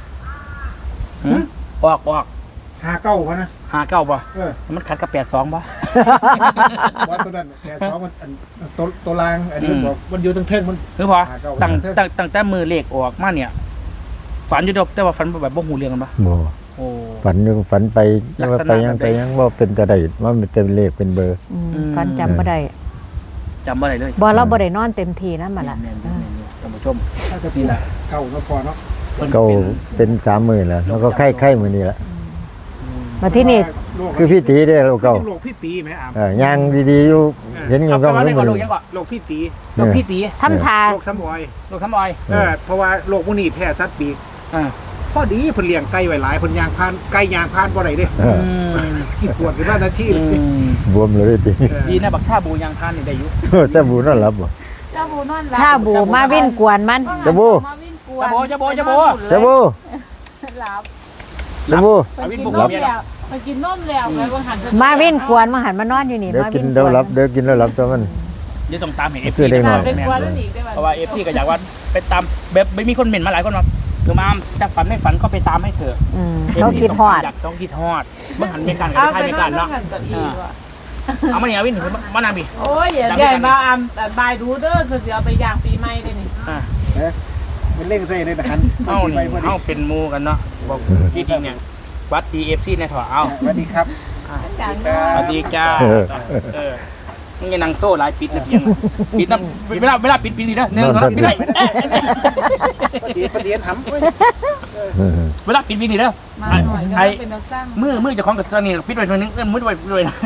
[SPEAKER 1] ออก
[SPEAKER 3] 59พะนะ
[SPEAKER 1] 59ป่ะมันขัดกับ82ป่ะ
[SPEAKER 3] ว่าตัวนั้น82มันตัวลางอันนี้บอกมันอยู่ตั้งเทิงมัน
[SPEAKER 1] คือพอตั้งแต่มือเลขออกมาเนี่ยฝันอยู่แต่ว่าฝันแบบบ่หูเรื่องกันป่ะ
[SPEAKER 2] บ่
[SPEAKER 1] โอ้
[SPEAKER 2] ฝันไปยังว่าไปยังบ่เป็นตะไดว่ามันจะเลขเป็นเบอร์
[SPEAKER 4] ฟันจำบ่ได้
[SPEAKER 1] จำบ่ได้เลย
[SPEAKER 4] บ่เราบ่ได้นอนเต็มที่นั่นมาละ
[SPEAKER 1] ท่านผู้ชม
[SPEAKER 3] ถ้าจะนี่แหละเก่าแล้วพอเนาะ
[SPEAKER 2] เก่าเป็น30,000แล้วแล้วก็ไข้มื้อนี้ละ
[SPEAKER 4] มาที่นี่
[SPEAKER 2] คือพี่ตีได้แล้วเก่า
[SPEAKER 3] โรคพี่ตีไหมอ่ะ
[SPEAKER 2] ย่างดีๆอยู่เห็นยังก็มื้อ
[SPEAKER 1] โร
[SPEAKER 2] นี้
[SPEAKER 1] คยังก่อน
[SPEAKER 3] โรคพี่ตี
[SPEAKER 1] โรคพี่ตี
[SPEAKER 4] ทำทา
[SPEAKER 3] โรคซ้ำออย
[SPEAKER 1] โรคทำออย
[SPEAKER 3] เพราะว่าโรคพวกนี้แพ้สัตว์ปีก
[SPEAKER 1] อ่า
[SPEAKER 3] พอดีเพิ่นเลี้ยงไก่ไว้หลายเพิ่นยางพานไก่ยางพานบ่ได้เด้สิปวดขึ้นมานาทีเลย
[SPEAKER 2] บวมเลยติ
[SPEAKER 1] ดีนะบักชาบูยางพานนี่ได้อยู่
[SPEAKER 2] ซะบูนอนหลับบ่
[SPEAKER 5] เจ้าบูนอนหลั
[SPEAKER 4] ชาบูมาวิ่นกวนมัน
[SPEAKER 2] สบู่
[SPEAKER 5] มาวิ่งกวน
[SPEAKER 1] จะโบ
[SPEAKER 2] ซะบู
[SPEAKER 5] หลับ
[SPEAKER 2] ซะบู
[SPEAKER 1] เอาวิ่ง
[SPEAKER 5] กิน
[SPEAKER 1] บุก
[SPEAKER 5] น
[SPEAKER 1] ลั
[SPEAKER 5] ม
[SPEAKER 1] บ
[SPEAKER 5] แล้วไปกินนมแล้วไปบางหัน
[SPEAKER 4] มาวิ่นกวนมาหันมานอนอยู่นี่
[SPEAKER 2] เดี๋ยว
[SPEAKER 4] มา
[SPEAKER 2] กิ
[SPEAKER 4] วิ่
[SPEAKER 2] น
[SPEAKER 4] นก
[SPEAKER 2] เดี๋ยว
[SPEAKER 4] วน
[SPEAKER 2] รับเดี๋ยวกินแล้วรับตัวมัน
[SPEAKER 1] เดี๋ยวต้องตามเห็น
[SPEAKER 2] คือได้หน่อย
[SPEAKER 5] เป็นกวนแล้วหนีได้ไหม
[SPEAKER 1] เพราะว่าFCก็อยากว่าไปตามแบบไม่มีคนเหม็นมาหลายคนหรอกคือมาจะฝันไม่ฝันก็ไปตามให้เถอะ
[SPEAKER 4] เขาคิดฮอด
[SPEAKER 1] อยากต้องคิดฮอดบางหันไม่กันกั
[SPEAKER 5] เอา
[SPEAKER 1] บไท
[SPEAKER 5] ไป
[SPEAKER 1] ยไม่
[SPEAKER 5] นอ
[SPEAKER 1] กัน น
[SPEAKER 5] แล้ว
[SPEAKER 1] เนาะ
[SPEAKER 5] กันกับอีกว่ะ
[SPEAKER 1] เอามาเนี่ยวิ่งถึงมานางบี
[SPEAKER 5] โอ้ยอย่าใหญ่มาอามแต่บายดูเด้อคือจะเอาไปย่างปีใหม่ได้นี่
[SPEAKER 3] มันเล่งใส่ในทหาร
[SPEAKER 1] เอาเป็นมูกันเนาะบอกจริงเนี่ยวัด DFC ในถอเอา
[SPEAKER 3] สวัสดีครับ
[SPEAKER 1] สวัสดีจ้ามึงยังนั่งโซ่หลายปิดนะเพียงปิดน้ำเวลาปิดนี่นะ1 2 3ปิดได้
[SPEAKER 3] ปฏิเสธหำ
[SPEAKER 1] เวลาปิดนี่เด้อ
[SPEAKER 5] มาหน่อยก็เป็นนักสร้าง
[SPEAKER 1] มือจะคล้องกับตรงนี้ปิดไว้ตรงนึงมือไว้ด้วยนะ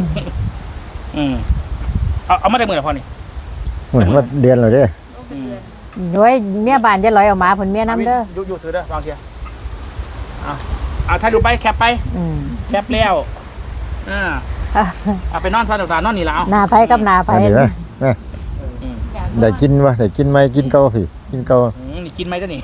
[SPEAKER 1] เอามาได้มือละพอนี่
[SPEAKER 2] เหมือนว่าเดือนแล้วเด้
[SPEAKER 4] โอ้ยเมียบ้านจะลอยออกมาผลเมียน้ำเด้อ
[SPEAKER 1] อยู่ถือเด้อลองเชียเอาถ่ายรูปไปแคปไปแคปแล้วเอาไปนอนซะเดี๋ยวนอนนี่แล้ว
[SPEAKER 4] หน้าไผกับหน้าไผ
[SPEAKER 2] อันนี้ไหม
[SPEAKER 5] อย่าง
[SPEAKER 2] ได้กินวะได้กินไหมกินเก่าพี่กินเก่า
[SPEAKER 1] นี่กินไหมเจ้านี่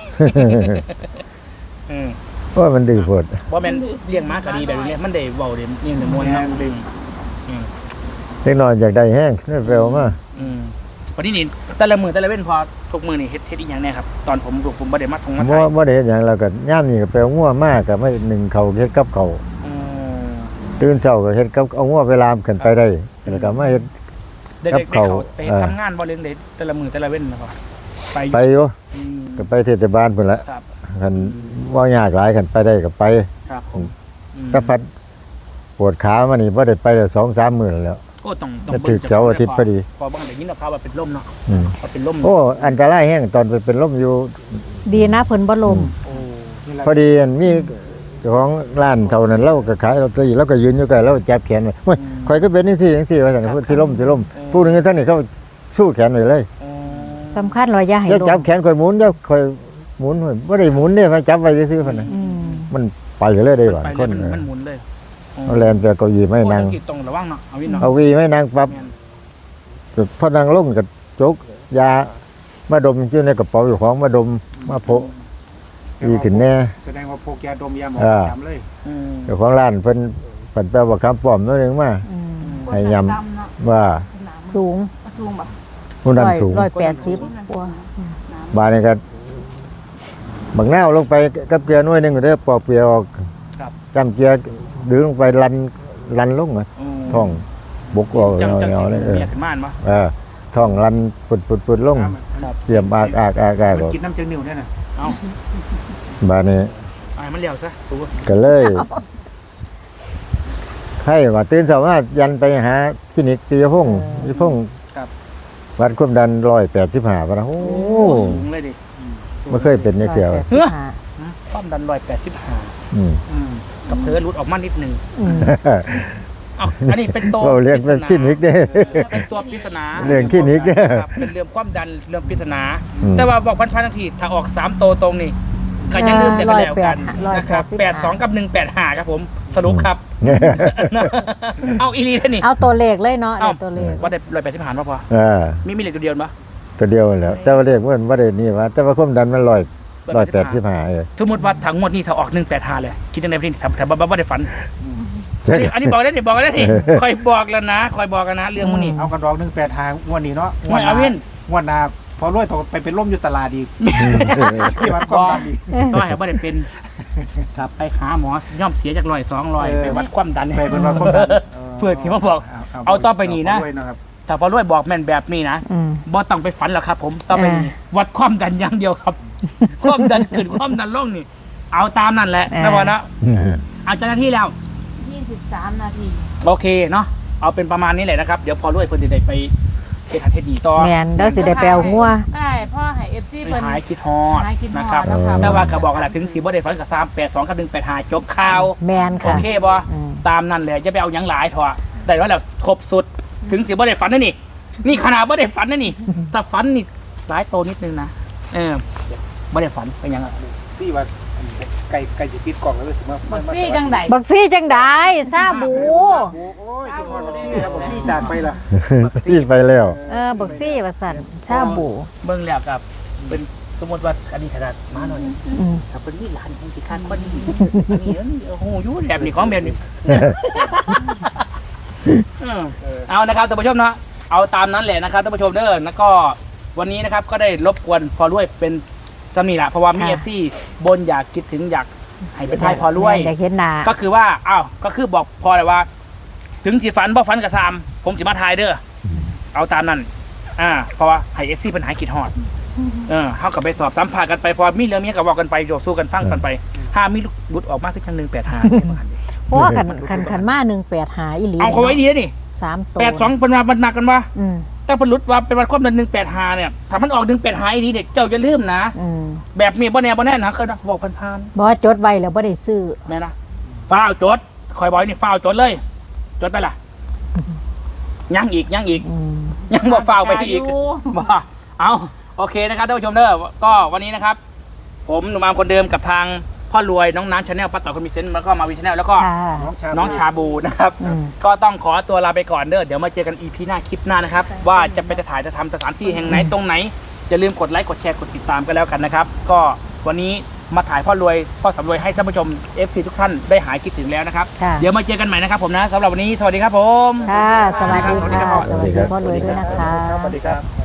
[SPEAKER 2] เพราะมันดื้อโพด
[SPEAKER 1] ว่าแม่นเลี้ยงม้าก็ดีแบบนี้มันได้เว้าได้นี่ได้ม่วนเนาะ
[SPEAKER 2] เล็กน้อยอยากได้แห้งนี่แปลว่ามา
[SPEAKER 1] วันนี้นี่แต่ละมื้อแต่ละเว้นพอทุกมื้อนี่เฮ็ดอีหยังแน่ครับตอนผมบ่ได้มาทงมา
[SPEAKER 2] บ่
[SPEAKER 1] ถ่าย
[SPEAKER 2] บ่ได้เฮ็ดหยังแล้วก็ย่ามนี่ก็ไปเอางัวมากก็ไม่หนึ่งเขาเฮ็ดกับเขาวตื่นเช้าก็เฮ็ดกับเอางัวไปลามขึ้นไปได้แล้วก็มาเฮ็ด
[SPEAKER 1] ได้
[SPEAKER 2] กับเขา
[SPEAKER 1] ไปทำงานบ่เลี้ยงได้แต่ละมื้อแต่ละเว้นนะครับไป
[SPEAKER 2] ไปอยู่ก็ไปเทศบาลพุ่นละ
[SPEAKER 1] ครับ
[SPEAKER 2] คันว่ายากหลายคันไปได้ก็ไป
[SPEAKER 1] ครับผม
[SPEAKER 2] ถ้าพัดปวดขามานี่บ่ได้ไปได้ 2-3 มื้อแล้ว
[SPEAKER 1] ก็ต้อง
[SPEAKER 2] จะถึกเสาร์อาทิตย์พอดี
[SPEAKER 1] พอบางได้ยินข่าวว่าเป็นลมเนาะ
[SPEAKER 2] อืม
[SPEAKER 1] ว่าเป็นลม
[SPEAKER 2] โอ้อันตรายแฮงตอนไปเป็นลมอยู่
[SPEAKER 4] ดีนะเพิ่นบ่ลม
[SPEAKER 1] โอ้
[SPEAKER 2] พอดีอันมีเจ้าของร้านเท่านั้นเราก็ขายลอตเตอรี่แล้วก็ยืนอยู่ใกล้แล้วจับแขนไว้โอ้ยข่อยก็เป็นจังซี่ว่าซั่นพูดที่ล่มผู้หนึงท่านนี่เขาสู้แขนไว้เลย
[SPEAKER 4] สำคัญว่าอย่าให้
[SPEAKER 2] อย่า
[SPEAKER 4] ล
[SPEAKER 2] จับ
[SPEAKER 4] ม
[SPEAKER 2] แขนข่อยหมุนเดี๋ยวข่อยหมุนบ่ได้หมุนเด้มาจับไว้ซื่อๆพุ่นน่ะ
[SPEAKER 4] อืม
[SPEAKER 2] มันไปเลยได้ว่า
[SPEAKER 1] ไป
[SPEAKER 2] ค
[SPEAKER 1] เลย
[SPEAKER 2] น
[SPEAKER 1] มันหมุนเลย
[SPEAKER 2] เอาแลนไปเก้าอี้ไม่นั่ง
[SPEAKER 1] โอ้ต้องระวังเนาะเอาวินเนาะ
[SPEAKER 2] เอาวีไม่นั่งปั๊บพอนั่งลงก็จกยามาดมอยู่ในกระเป๋าอยู่ของมาดมมาโพะดีขึ้นแน่
[SPEAKER 3] แสดงว่าพกยาดมยาหมอง
[SPEAKER 2] อ่า
[SPEAKER 3] จำเลย
[SPEAKER 2] เจ้าของร้านเพิ่นแปลว่าคำปลอมนั่นเองมา
[SPEAKER 4] อืม
[SPEAKER 2] ให้ยำว่า
[SPEAKER 4] สูง
[SPEAKER 5] สูงแบบ
[SPEAKER 2] ผู้นั้นสูง
[SPEAKER 4] 180กว่า
[SPEAKER 2] บาดนี่ก็บักนาวลงไปกับเกลือหน่วยหนึงก็ได้ปอกเปลือกออกจำเกลือดึงลงไปลันลงอ่ะท้องบกออก
[SPEAKER 1] จัง
[SPEAKER 2] เงาๆเลย
[SPEAKER 1] เมียขึ้นม่านปะ
[SPEAKER 2] ท้องลันปุดลงเตรียมอาก
[SPEAKER 3] มัน
[SPEAKER 2] ออก
[SPEAKER 3] กินน้ำเจือนิ่วเนี่ยนะ
[SPEAKER 1] เอา
[SPEAKER 2] บาดนี้
[SPEAKER 1] ไอ้มันเลี้ยวซะตัว
[SPEAKER 2] ก็เลยให้ว่าตื่นเช้ามายันไปหาคลินิกปีพงศ์วัดความดัน185ป่ะนะโอ้
[SPEAKER 1] สูงเลยดิ
[SPEAKER 2] ไม่เคยเป็นเนี่ยเสียว
[SPEAKER 1] ความดัน185
[SPEAKER 2] อืม
[SPEAKER 1] กับเธอรุดออกมานิดนึง
[SPEAKER 4] อืม
[SPEAKER 1] อ้าวอันนี้เป็นตัว
[SPEAKER 2] เราเรียกเป็นคลินิกเด้
[SPEAKER 1] เป็นตัวปริศนา
[SPEAKER 2] เรื่องคลินิกเนี่ย
[SPEAKER 1] ครับเป็นเรื่องความดันเรื่องปริศนา
[SPEAKER 2] อืม
[SPEAKER 1] แต่ว่าบอกพันนาทีถ้าออก3ตัวตรงนี่ก็ยังลืมได้กันแล้วกันนะครับ82กับ185ครับผมสรุปครับ เอาอีลีท่านี่
[SPEAKER 4] เอาตัวเลขเลยเนาะ
[SPEAKER 1] เอ้า
[SPEAKER 4] เอาตัวเลข
[SPEAKER 1] ว่าได้185ป่ะพอ มีเหล็กตัวเดียวปะ
[SPEAKER 2] ตัวเดียวนั่นแหล้วแต่ว่าเรียกว่าได้นี่ว่าแต่ว่าความดันมัน185
[SPEAKER 1] สมมติว่าถังงวดนี้ถ้าออก185เลยคิดยังไงพี่ถ้าบ่ได้ฝัน
[SPEAKER 2] จัก
[SPEAKER 1] อันนี้บอกได้ดิบอกได้ดิคอยบอกแล้วนะคอยบอกกันนะเรื่องพวกนี้
[SPEAKER 3] เอากันดอก185วันนี้เนาะ
[SPEAKER 1] ไม่เอาวิน
[SPEAKER 3] วันหน้าพอรวยตกไปเป็นร่มอยู่ตลาดอีกที่วัดความดันอีก
[SPEAKER 1] ก็ให้บ่ได้เป็นครับไปหาหมอย่อมเสียจาก100-200ไปวัดความดัน
[SPEAKER 3] ไปเป็นวัดความดัน
[SPEAKER 1] เพื่อที่มาบอก เอาต่อไปนี่นะ
[SPEAKER 3] พอรวยนะครับ
[SPEAKER 1] ถ้าพอรวยบอกแม่นแบบนี้นะ
[SPEAKER 4] อืม
[SPEAKER 1] บ่ต้องไปฝันหรอกครับ ผมต่อไปนี้วัดความดันอย่างเดียวครับ ความดันขึ้นความดันลงนี่ เอาตามนั่นแหละนะบอลนะเอาเจ้าหน้าที่แล้ว
[SPEAKER 5] 23 นาที
[SPEAKER 1] โอเคเนาะเอาเป็นประมาณนี้แหละนะครับเดี๋ยวพอรวยเพิ่นจะได้ไปเป็นทันเทศดีต่อ
[SPEAKER 4] แม่นเด้อสิได้ไปเอางัว
[SPEAKER 5] ได้พ่อให้ FC
[SPEAKER 1] ไป
[SPEAKER 5] เพิ่น
[SPEAKER 1] หายคิดฮอด
[SPEAKER 5] หายคิดฮอด
[SPEAKER 1] นะครับ
[SPEAKER 5] นะคะ
[SPEAKER 1] แต่ว่าก็บอกกันแหละถึงสีบ่ได้ฝันกับ382กับ185จบข่าว
[SPEAKER 4] แม่น
[SPEAKER 1] โอ
[SPEAKER 4] ค่ะ
[SPEAKER 1] เคบ่
[SPEAKER 4] อืม
[SPEAKER 1] ตามนั่นแหละจะไปเอาหยังหลายเถอะได้ว่าแล้วครบสุดถึงสีบ่ได้ฝันนั่นนี่นี่ขนาดบ่ได้ฝันนั่นนี่ถ้าฝันนี่หลายโตนิดนึงนะบ่ได้ฝันเป็นหยังอ่ะ
[SPEAKER 3] ซี่ว่าไก่สิปิดกล่องแล้วสิมา
[SPEAKER 5] บักซี่จังได
[SPEAKER 4] บักซี่จังได้ซาบู
[SPEAKER 3] โอ้ยกินฮอดบักซี่ครับบักซี่จากไปละ
[SPEAKER 2] ที่ไปแล้ว
[SPEAKER 4] บักซี่ว่าสั่นชาบู
[SPEAKER 1] เบิ่งแล้วกับเป็นสมมติว่าอันนี้ขนาดมาหน่อย
[SPEAKER 4] อืม
[SPEAKER 1] ถ้าเป็นนี่หลานของสิคานคนนี้อันนี้โอ้โหอยู่แบบนี้ของแบบนี้เอานะครับท่านผู้ชมเนาะเอาตามนั้นแหละนะครับท่านผู้ชมเด้อแล้วก็วันนี้นะครับก็ได้รบกวนพอรวยเป็นจำนี่แหละเพราะว่ามี FC บนอยากคิดถึงอยากให้เป็นไทยพอรวย
[SPEAKER 4] อยากเห็นหน้า
[SPEAKER 1] ก็คือว่าก็คือบอกพอเลยว่า ถึงสิฝันบ่ฝันกับซามผมสิมาทายเด้อเอาตามนั้นเพราะว่าให้ FC เป็นหายคิดฮอดเฮากับไปสอบสัมภาษณ์กันไปพอมีเรื่องมีก็บอกกันไปโยสู้กันฟังกันไปถ้ามีบุตรออกมาคือจัง185
[SPEAKER 4] เพราะว่าคันมา185อีหลี
[SPEAKER 1] เอาเขาไว้ดีนี่
[SPEAKER 4] 3ตัว
[SPEAKER 1] 82เพิ่นว่ามันหนักกันว่า
[SPEAKER 4] อืม
[SPEAKER 1] แต่เพิ่นรุดว่าเป็นวันความดัน185เนี่ยถ้ามันออก185อีนี้เด็กเจ้าจะลืมนะ
[SPEAKER 4] อืม
[SPEAKER 1] แบบนี้บ่แน่นะเคยบอกผ่าน
[SPEAKER 4] บ่จดไว้แล้วบ่ได้ซื้อ
[SPEAKER 1] ๆแม่นะฟ้าวจดคอยบอกนี่ฟ้าวจดเลยจดไปล่ะยังอีก
[SPEAKER 4] อืม
[SPEAKER 1] ยังบอกฟ้าวไปอีก
[SPEAKER 5] อยู่
[SPEAKER 1] บ่โอเคนะครับท่านผู้ชมเด้อก็วันนี้นะครับ ผมหนุ่มอามคนเดิมกับทางพ่อรวยน้องน้ำชาแนลป้าต่อคนมีเซนต์แล้วก็มาวิชาแนลแล้วก็
[SPEAKER 4] ค่ะ
[SPEAKER 1] น้องชาบูนะครับ
[SPEAKER 4] อืม
[SPEAKER 1] ก็ต้องขอตัวลาไปก่อนเด้อเดี๋ยวมาเจอกัน EP หน้าคลิปหน้านะครับว่าจะไปถ่ายจะทำสถานที่แห่งไหนตรงไหนอย่าลืมกดไลค์กดแชร์กดติดตามกันแล้วกันนะครับก็วันนี้มาถ่ายพ่อรวยพ่อสำรวยให้ท่านผู้ชม FC ทุกท่านได้หายคิดถึงแล้วนะครับ
[SPEAKER 4] ค่ะ
[SPEAKER 1] เดี๋ยวมาเจอกันใหม่นะครับผมนะสำหรับวันนี้สวัสดีครับผม
[SPEAKER 4] ค่ะ สวัสดี
[SPEAKER 1] สวัสดีครั
[SPEAKER 4] ค่ะ
[SPEAKER 1] บ
[SPEAKER 4] สวัสดีพ่อรวยด้วยนะคะ
[SPEAKER 3] สวัสดีครับ